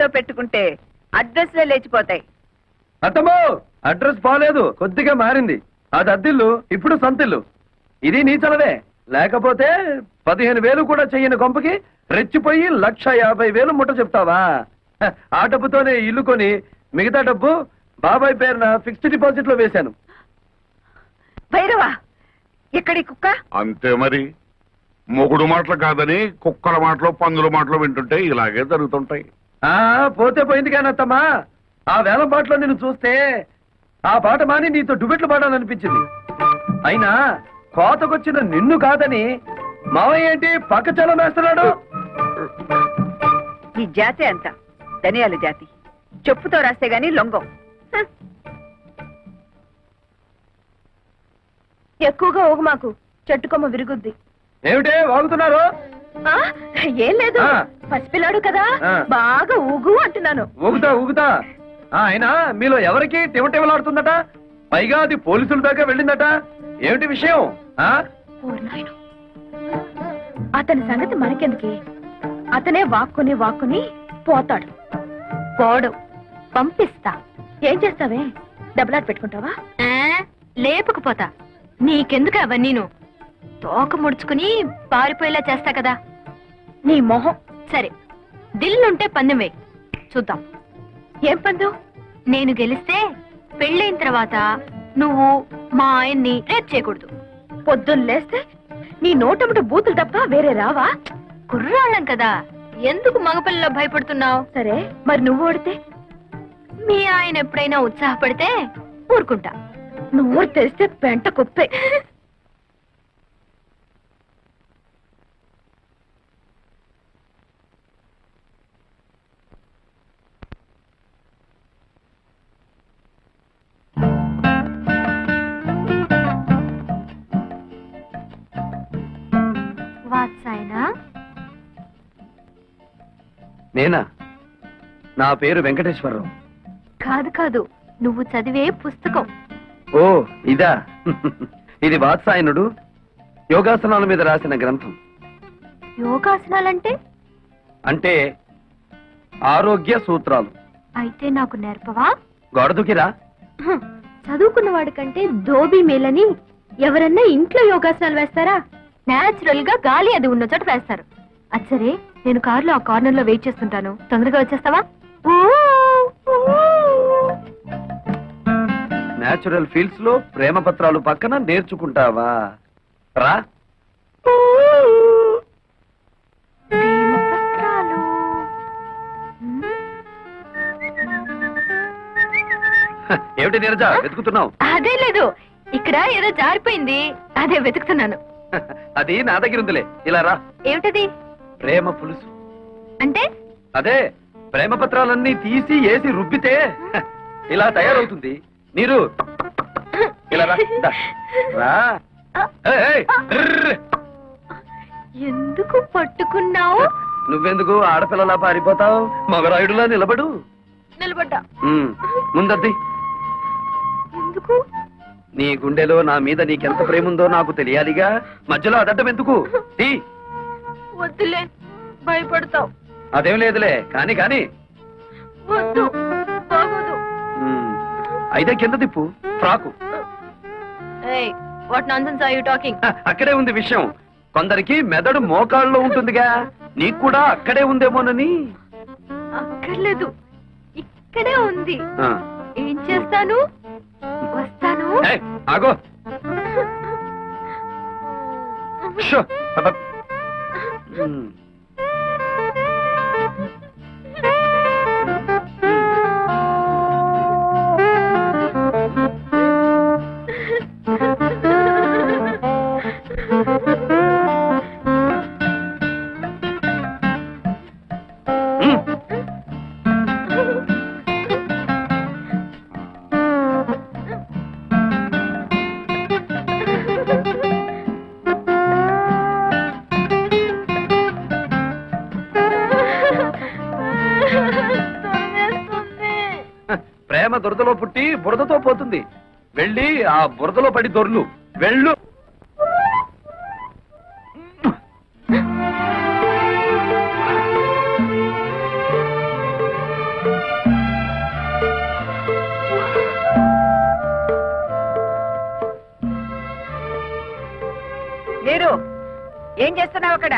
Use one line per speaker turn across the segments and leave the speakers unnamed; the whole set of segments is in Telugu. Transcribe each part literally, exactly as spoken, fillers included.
పెట్టుకుంటే అడ్రస్లే లేచిపోతాయి.
అత్తమ్మో అడ్రస్ బాలేదు, కొద్దిగా మారింది. అది అద్దిల్లు, ఇప్పుడు సొంతిల్లు. ఇది నీ చలవే, లేకపోతే పదిహేను వేలు కూడా చెయ్యని గొంపకి రెచ్చిపోయి లక్ష యాభై వేలు ముట్ట చెప్తావా? ఆ డబ్బుతోనే ఇల్లు కొని మిగతా డబ్బు బాబాయ్ పేరున ఫిక్స్డ్ డిపాజిట్ లో వేశాను.
భైరవా, ఎక్కడి కుక్క?
అంతే మరి, మొగుడు మాటలు కాదని కుక్కల మాటలు పందుల మాటలు వింటుంటే ఇలాగే జరుగుతుంటాయి.
ఆ పోతే పోయింది కానీ అత్తమ్మా, ఆ వేల పాటలో నిన్ను చూస్తే ఆ పాట మాని నీతో డుబెట్లు పాడాలనిపించింది. అయినా కోతకొచ్చిన నిన్ను కాదని మావయ్య ఏంటి పక్క చలం వేస్తున్నాడు?
ఈ జాతి అంత ధనియాల జాతి, చెప్పుతో రాస్తే గాని లొంగం.
ఎక్కువగా ఊగు మాకు, చెట్టుకొమ్మ విరుగుద్ది.
ఏమిటే వాగుతున్నారు?
ఏం లేదు, పసిపిల్లాడు కదా, బాగా ఊగు అంటున్నాను.
ఊగుతా ఊగుతా. అయినా మీలో ఎవరికి టివటివలాడుతుందట? పైగా అది పోలీసుల దాకా వెళ్ళిందట. ఏమిటి విషయం?
అతని సంగతి మనకెందుకే, అతనే వాక్కుని వాక్కుని పోతాడు. పోడు, పంపిస్తా. ఏం చేస్తావే, డబ్బులాట పెట్టుకుంటావా? లేపుకుపోతా. నీకెందుకు అవన్నీను? తోక ముడుచుకుని పారిపోయేలా చేస్తా కదా. నీ మొహం. సరే, దిల్లుంటే పందెం వేయి, చూద్దాం. ఏం పందెం? నేను గెలిస్తే పెళ్ళైన తర్వాత నువ్వు మా ఆయన్ని రేప్ చేయకూడదు. పొద్దున్న లేస్తే నీ నోటముట బూతులు తప్ప వేరే రావా? కుర్రాళ్ళం కదా, ఎందుకు మగపిల్లలో భయపడుతున్నావు? సరే, మరి నువ్వు ఓడితే? మీ ఆయన ఎప్పుడైనా ఉత్సాహపడితే ఊరుకుంటా. నువ్వు తెలిస్తే పెంట కుప్పే.
నేనా? నా పేరు వెంకటేశ్వరరావు.
కాదు కాదు, నువ్వు చదివే పుస్తకం.
ఓ ఇదా? ఇది వాత్సాయనుడు యోగాసనాల మీద రాసిన గ్రంథం.
యోగాసనాలంటే?
అంటే ఆరోగ్య సూత్రాలు.
అయితే నాకు నేర్పవా?
గొడదుకిరా.
చదువుకున్న వాడికంటే ధోబీ మేలని ఎవరన్నా ఇంట్లో యోగాసనాలు వేస్తారా? నేచురల్ గా గాలి అది ఉన్న చోట వేస్తారు. అచ్చరే, నేను కారులో ఆ కార్నర్ లో వెయిట్ చేస్తుంటాను, తొందరగా వచ్చేస్తావా?
నేచురల్ ఫీల్డ్స్ లో ప్రేమ పత్రాలు పక్కన నేర్చుకుంటావా? రా. ఏమిటి నీరజ వెతుకుతున్నావు?
అదే లేదు, ఇక్కడ ఏదో జారిపోయింది, అదే వెతుకుతున్నాను.
అది నా దగ్గర ఉందిలే, ఇలా రా.
ఏమిటది?
ప్రేమ పులుసు.
అంటే? అదే,
ప్రేమ పత్రాలన్నీ తీసి వేసి రుబ్బితే ఇలా తయారవుతుంది. నీరు ఇలా రా. రా.
ఎందుకు పట్టుకున్నావు?
నువ్వెందుకు ఆడపిల్లలా పారిపోతావు? మగరాయుడులా నిలబడు.
నిలబడ్డా.
ముందద్ది.
ఎందుకు?
నీ గుండెలో నా మీద నీకెంత ప్రేమ ఉందో నాకు తెలియాలిగా, మధ్యలో అదడ్డం ఎందుకు?
వద్దులే, భయపడతావు.
అదేం లేదులే, కాని కాని.
వద్దు, బాగోదు.
అయితే కింద తిప్పు frock.
What nonsense are you talking?
అక్కడే ఉంది విషయం. కొందరికి మెదడు మోకాళ్ళలో ఉంటుందిగా, నీకు కూడా అక్కడే ఉందేమోనని.
అక్కర్లేదు, ఇక్కడే ఉంది. ఏం చేస్తాను? వస్తాను.
ఆగో. ప్రేమ దురదలో పుట్టి బురదతో పోతుంది. వెళ్ళి ఆ బురదలో పడి దొర్లు. వెళ్ళు.
చేస్తున్నావు అక్కడ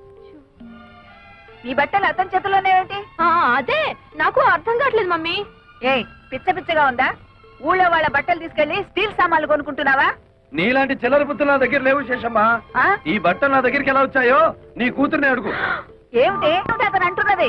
నీ బట్టలు అతని చేతుల్లోనే ఏంటి?
ఆ, అదే నాకు అర్థం కావట్లేదు మమ్మీ.
ఏ పిచ్చ పిచ్చగా ఉందా? ఊళ్ళో వాళ్ళ బట్టలు తీసుకెళ్లి స్టీల్ సామాన్లు కొనుక్కుంటున్నావా?
నీలాంటి చిల్లర బుద్ధులు నా దగ్గర లేవు శేషమ్మా.
ఆ?
ఈ బట్టలు నా దగ్గరికి ఎలా వచ్చాయో నీ కూతుర్ని అడుగు.
ఏమిటి ఏమిటి అతను అంటున్నది?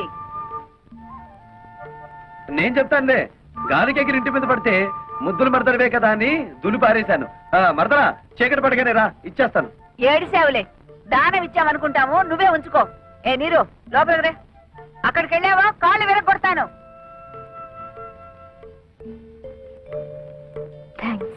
నేను చెప్తానులే. గాలికి ఎగిరి ఇంటి మీద పడితే ముద్దులు మరదడవే కదా అని దులి పారేశాను. ఆ, మరదరా చీకటి పడగానే రా, ఇచ్చేస్తాను.
ఏడిసేవులే, దానం ఇచ్చామనుకుంటాము, నువ్వే ఉంచుకో. ఏ నీరు లోపలికి రే. అక్కడికి వెళ్ళావా కాళ్ళు విరగొడతాను.
థ్యాంక్స్.